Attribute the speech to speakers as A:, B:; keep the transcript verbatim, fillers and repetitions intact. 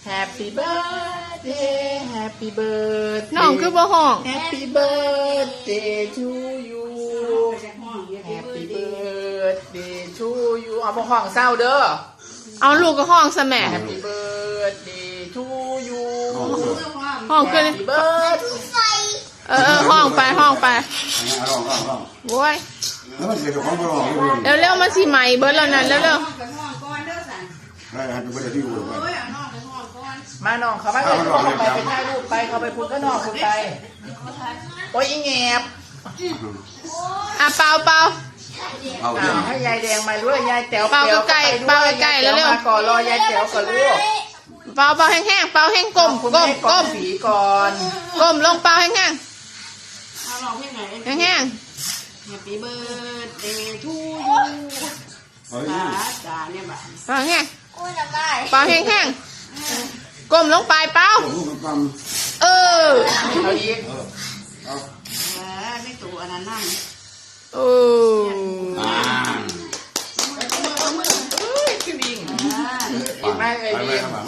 A: Happy birthday Happy birthday
B: น้องคือบ่ห้อง
A: Happy birthday to you Happy birthday to you เอาบ่ห้องเศร้าเด้อ
B: เอาลูกก็ห้องซะแม่
A: Happy birthday to you
B: ห้องขึ้น
A: Happy birthday
B: เออเออห้องไปห้องไป
C: ลองลองลอง
B: โว้ย
C: แล้วมันเสียของบ่ลองเลย
B: เร็วเร็วๆมาสิใหม่เบิร์ดแล้วนั่นเร็วเร็ว
C: ได้ให้เป็นประเด็นที่อยู่ไป
A: มาน้องเขาไปเลยเขาไปไปถ่ายรูปไปเขาไปพูดก็น้องพูดไปโอ้ยอีแงบ
B: ๆอ่ะเปล่าเปล่า
C: เอาเรื่อง
A: ให้ยายแดงมาด้วยยายแต๋ว
B: เป่าใกล้ๆเป่าใกล้ๆแล้วเร็ว
A: มาก่อนรอยายแต๋วก่อนลูก
B: เปล่าเปล่าแห้งๆเปล่าแห้งกลม
A: คุณ
B: กล
A: แม่
B: ม
A: ก่
B: กล
A: อน
B: ม
A: สีก่อน
B: กลมลงเปล่าแห้งๆ
D: เอาลองเพลงไหน
B: แห้ง
D: Happy birthday to you
C: เอา
D: จ๋า
C: เรื่อง
D: จ๋าเนี่ยแบบ
B: ๆเปล่าแห้งเปล่าแห้งๆกลมลงไปเปล่า
C: ลูกกำ
B: เออ
A: เอาอีก
C: เอา
D: เออไม่ตัวอันนั้นนั่ง
B: โอ้
C: อ่า
A: เฮ้ยคือลิง
D: อ่า
A: ไม่เลย
C: ไป
A: ลิง
C: ไป